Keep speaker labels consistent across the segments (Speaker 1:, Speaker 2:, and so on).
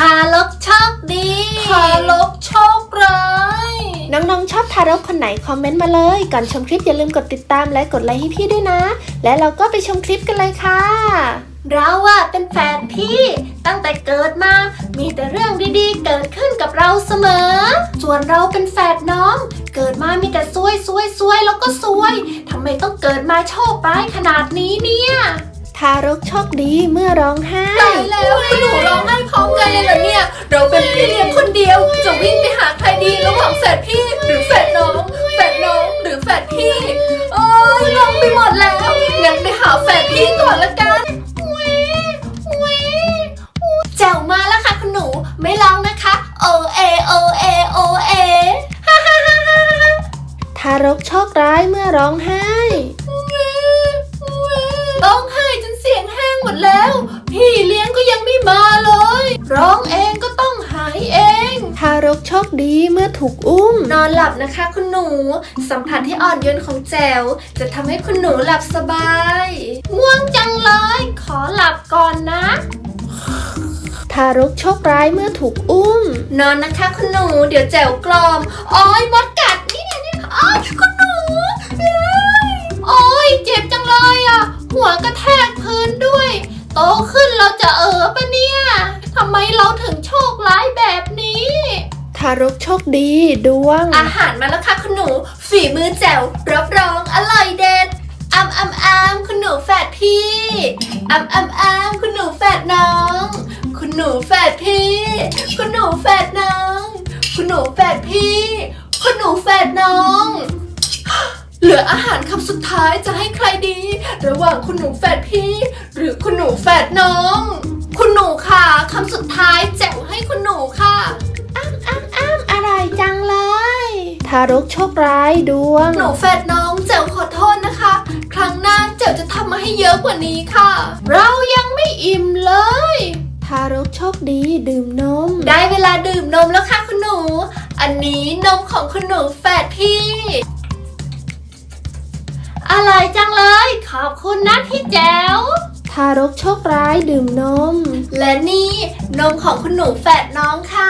Speaker 1: ารกโชคดีทารกโชคร้าย
Speaker 2: น้องๆชอบทารกคนไหนคอมเมนต์มาเลยก่อนชมคลิปอย่าลืมกดติดตามและกดไลค์ให้พี่ด้วยนะและเราก็ไปชมคลิปกันเลยค่ะ
Speaker 1: เราเป็นแฝดพี่ตั้งแต่เกิดมามีแต่เรื่องดีๆเกิดขึ้นกับเราเสมอส่วนเราเป็นแฝดน้องเกิดมามีแต่ซวยแล้วก็ซวยทำไมต้องเกิดมาโชคร้ายขนาดนี้เนี่ย
Speaker 2: ทารกโชคดีเมื่อร้องไห้
Speaker 1: ตายแล้วคุณหนูร้องไห้พร้อมกันเลยเหรอเนี่ยเราเป็นพี่เลี้ยงคนเดียวจะวิ่งไปหาใครดีระหว่างแฝดพี่หรือแฝดน้องหรือแฝดพี่งงไปหมดแล้วงั้นไปหาแฝดพี่ก่อนละกันแจ๋วมาแล้วค่ะคุณหนูไม่ร้องนะคะโอเอ
Speaker 2: ทารกโชคร้ายเมื่อร้องไห้
Speaker 1: ร้องไห้จนเสียงแห้งหมดแล้วพี่เลี้ยงก็ยังไม่มาเลยร้องเองก็ต้องหายเอง
Speaker 2: ทารกโชคดีเมื่อถูกอุ้ม
Speaker 1: นอนหลับนะคะคุณหนูสัมผัสที่อ่อนโยนของแจ๋วจะทำให้คุณหนูหลับสบายง่วงจังเลยขอหลับก่อนนะ
Speaker 2: ทารกโชคร้ายเมื่อถูกอุ้ม
Speaker 1: นอนนะคะคุณหนูเดี๋ยวแจ๋วกลอมมดกัดนี่คุณหนูเจ็บจังเลยหัวกระแทกพื้นด้วยโตขึ้นเราจะปะเนี่ยทำไมเราถึงโชคร้ายแบบนี้
Speaker 2: ทารกโชคดีดวง
Speaker 1: อาหารมาแล้วค่ะคุณหนูฝีมือแจ๋วรับรองอร่อยเด็ดคุณหนูแฝดพี่คุณหนูแฝดน้องคุณหนูแฝดพี่คุณหนูแฝดน้องคุณหนูแฝดพี่คุณหนูแฝดน้องเหลืออาหารคำสุดท้ายจะให้ใครดีระหว่างคุณหนูแฝดพี่หรือคุณหนูแฝดน้องคุณหนูค่ะคำสุดท้ายแจ๋วให้คุณหนูค่ะ
Speaker 2: อร่อยจังเลยทารกโชคร้ายดวง
Speaker 1: หนูแฝดน้องแจ๋วขอโทษนะคะครั้งหน้าแจ๋วจะทำมาให้เยอะกว่านี้ค่ะเรายังไม่อิ่มเลย
Speaker 2: ทารกโชคดีดื่มนม
Speaker 1: ได้เวลาดื่มนมแล้วค่ะคุณหนูอันนี้นมของคุณหนูแฝดพี่อร่อยจังเลยขอบคุณนะพี่แจ๋ว
Speaker 2: ทารกโชคร้ายดื่มนม
Speaker 1: และนี่นมของคุณหนูแฝดน้องค่ะ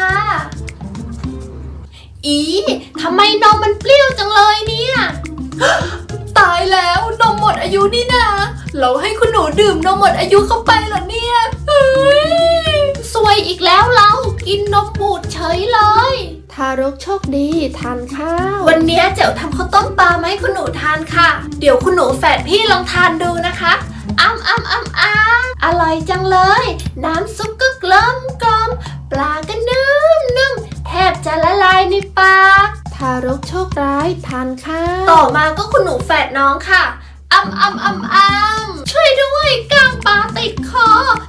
Speaker 1: ทำไมนมมันเปรี้ยวจังเลยเนี่ยตายแล้วนมหมดอายุนี่นะเราให้คุณหนูดื่มนมหมดอายุเข้าไปเหรอเนี่ยซวยอีกแล้วเรากินนมบูดเฉยเลย
Speaker 2: ทารกโชคดีทานข้าว
Speaker 1: วันนี้เจ๋วทำข้าวต้มปลามาให้คุณหนูทานค่ะเดี๋ยวคุณหนูแฝดพี่ลองทานดูนะคะอร่อยจังเลยน้ำซุปก็กลมปลาก็นุ่มแทบจะละลายในปาก
Speaker 2: ทารกโชคร้ายทานข้าว
Speaker 1: ต่อมาก็คุณหนูแฝดน้องค่ะช่วยด้วยกล้างปลาติดคอ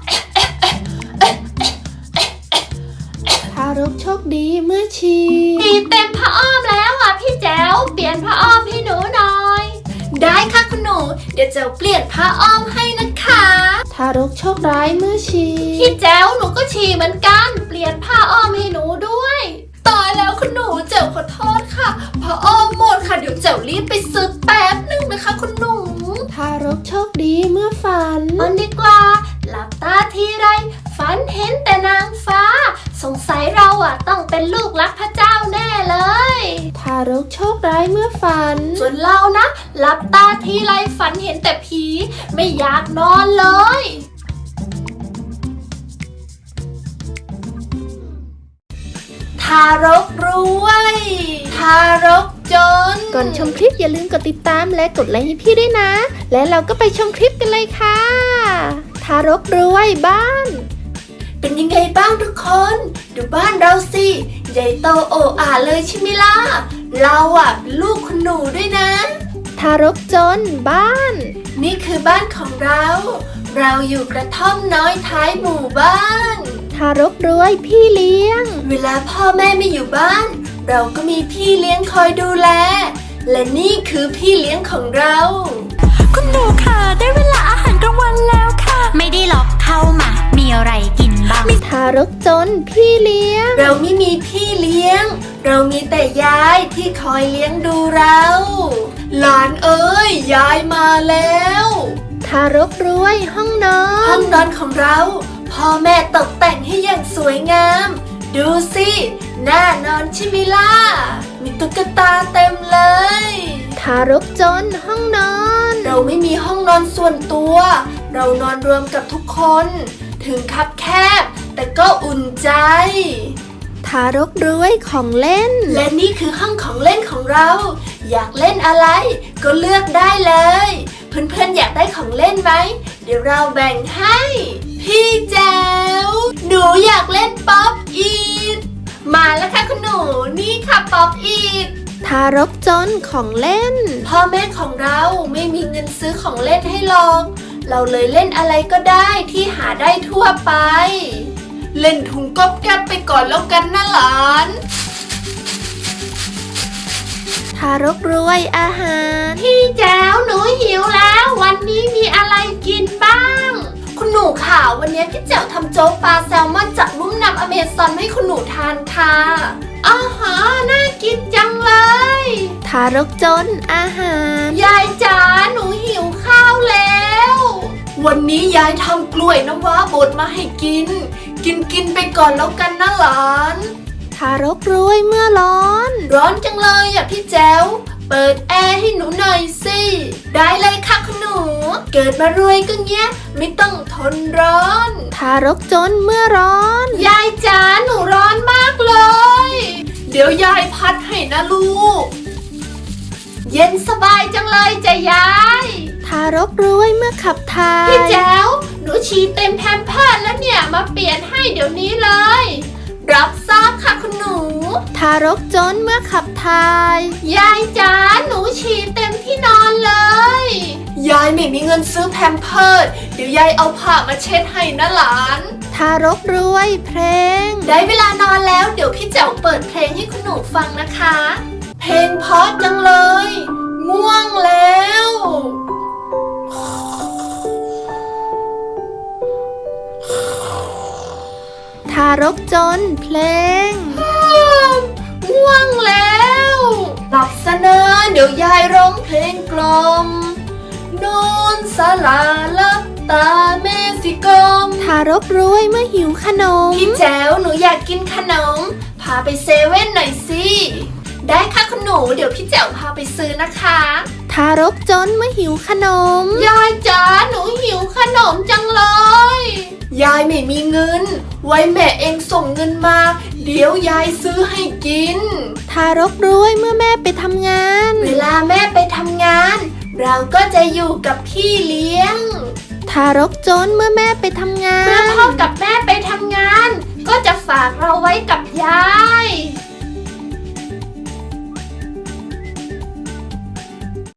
Speaker 2: ทารกโชคดีเมื่อฉี่
Speaker 1: เต็มผ้าอ้อมแล้วพี่แจ๋วเปลี่ยนผ้าอ้อมให้หนูหน่อยได้ค่ะคุณหนูเดี๋ยวแจ๋วเปลี่ยนผ้าอ้อมให้นะคะ
Speaker 2: ทารกโชคร้ายเมื่อฉี่
Speaker 1: พี่แจ๋วหนูก็ฉี่เหมือนกันเปลี่ยนผ้าอ้อมให้หนูด้วยตายแล้วคุณหนูแจ๋วขอโทษค่ะผ้าอ้อมหมดค่ะเดี๋ยวแจ๋วรีบไปซื้อแป๊บนึงนะคะคุณหนู
Speaker 2: ทารกโชคดีเมื่อฝัน
Speaker 1: ดีกว่าหลับตาทีไรฝันเห็นแต่นางฟ้าสงสัยเราต้องเป็นลูกรักพระเจ้าแน่เลย
Speaker 2: ทารกโชคร้ายเมื่อฝัน
Speaker 1: ส่วนเรานะหลับตาทีไรฝันเห็นแต่ผีไม่อยากนอนเลยทารกรวยทารกจน
Speaker 2: ก่อนชมคลิปอย่าลืมกดติดตามและกดไลค์ให้พี่ด้วยนะและเราก็ไปชมคลิปกันเลยค่ะทารกรวยบ้าน
Speaker 1: เป็นยังไงบ้างทุกคนดูบ้านเราสิใหญ่โตโอ้อาเลยใช่ไหมล่ะเราเป็นลูกคุณหนูด้วยนะ
Speaker 2: ทารกจนบ้าน
Speaker 1: นี่คือบ้านของเราอยู่กระท่อมน้อยท้ายหมู่บ้าน
Speaker 2: ทารกรวยพี่เลี้ยง
Speaker 1: เวลาพ่อแม่ไม่อยู่บ้านเราก็มีพี่เลี้ยงคอยดูแลและนี่คือพี่เลี้ยงของเรา
Speaker 3: คุณหนูค่ะได้เวลาอาหารกลางวันแล้วค่ะไม่ได้หรอกเข้ามามีอะไรกินบ้าง
Speaker 2: ทารกจนพี่เลี้ยง
Speaker 1: เราไม่มีพี่เลี้ยงเรามีแต่ยายที่คอยเลี้ยงดูเราหลานเอ้ยยายมาแล้ว
Speaker 2: ทารกรวยห้องนอน
Speaker 1: ของเราพ่อแม่ตกแต่งให้อย่างสวยงาม ดูสิน่านอนใช่ไหมล่ะมีตุ๊กตาเต็มเลย
Speaker 2: ทารกจนห้องนอน
Speaker 1: เราไม่มีห้องนอนส่วนตัว เรานอนรวมกับทุกคน ถึงคับแคบแต่ก็อุ่นใจ
Speaker 2: ทารกรวยของเล่น
Speaker 1: และนี่คือห้องของเล่นของเรา อยากเล่นอะไรก็เลือกได้เลย เพื่อนๆอยากได้ของเล่นไหม เดี๋ยวเราแบ่งให้ พี่แจ๋วหนูอยากเล่นป๊อปอีทมาแล้วค่ะคุณหนูนี่ค่ะป๊อปอีท
Speaker 2: ทารกจนของเล่น
Speaker 1: พ่อแม่ของเราไม่มีเงินซื้อของเล่นให้หรอก เราเลยเล่นอะไรก็ได้ที่หาได้ทั่วไป เล่นถุงก๊อบแก๊บไปก่อนแล้วกันนะหลาน
Speaker 2: ทารกรวยอาหาร
Speaker 1: พี่แจ๋วหนูหิวแล้ว วันนี้มีอะไรกินบ้าง คุณหนูค่ะวันนี้พี่แจ๋วทำโจ๊กปลาแซลมอนจากลุ่มน้ำอเมซอนให้คุณหนูทานค่ะอาหารน่ากินจังเลย
Speaker 2: ทารกจนอาหาร
Speaker 1: ยายจ๋าหนูหิวข้าวแล้ว วันนี้ยายทำกล้วยน้ำว้าบดมาให้กิน กินไปก่อนแล้วกันนะหลาน
Speaker 2: ทารกรวยเมื่อร้อน
Speaker 1: ร้อนจังเลยอ่ะพี่แจ๋วเปิดแอร์ให้หนูหน่อยสิ ได้เลยค่ะคุณหนู เกิดมารวยก็เงี้ยไม่ต้องทนร้อน
Speaker 2: ทารกจนเมื่อร้อน
Speaker 1: ยายจ๋าหนูร้อนมากเลย เดี๋ยวยายพัดให้นะลูก เย็นสบายจังเลยจ้ะยาย
Speaker 2: ทารกรวยเมื่อขับถ่าย
Speaker 1: พี่แจ๋วหนูฉี่เต็มแพมเพิร์สแล้วเนี่ยมาเปลี่ยนให้เดี๋ยวนี้เลย รับทราบค่ะคุณหนู
Speaker 2: ทารกจนเมื่อขับถ่าย
Speaker 1: ยายจ๋าหนูฉี่เต็มที่นอนเลย ยายไม่มีเงินซื้อแพมเพิร์สเดี๋ยวยายเอาผ้ามาเช็ดให้นะหลาน
Speaker 2: ทารกรวยเพลง
Speaker 1: ได้เวลานอนแล้วเดี๋ยวพี่แจ๋วเปิดเพลงให้คุณหนูฟังนะคะ เพลงเพราะจังเลย ง่วงแล้ว
Speaker 2: ทารกจนเพลง
Speaker 1: ง่วงแล้วหลับซะนะเดี๋ยวยายร้องเพลงกล่อมนอนสลาลับตาเมสิกอม
Speaker 2: ทารกรวยเมื่อหิวขนม
Speaker 1: พี่แจ๋วหนูอยากกินขนม พาไปเซเว่นหน่อยสิ ได้ค่ะคุณหนูเดี๋ยวพี่แจ๋วพาไปซื้อนะคะ
Speaker 2: ทารกจนเมื่อหิวขนม
Speaker 1: ยายจ๋าหนูหิวขนมจังเลย ยายไม่มีเงิน ไว้แม่เองส่งเงินมา เดี๋ยวยายซื้อให้กิน
Speaker 2: ทารกรวยเมื่อแม่ไปทำงาน
Speaker 1: เวลาแม่ไปทำงาน เราก็จะอยู่กับพี่เลี้ยง
Speaker 2: ทารกจนเมื่อแม่ไปทำงา
Speaker 1: เมื่อน พ่อกับแม่ไปทำงาน ก็จะฝากเราไว้กับยาย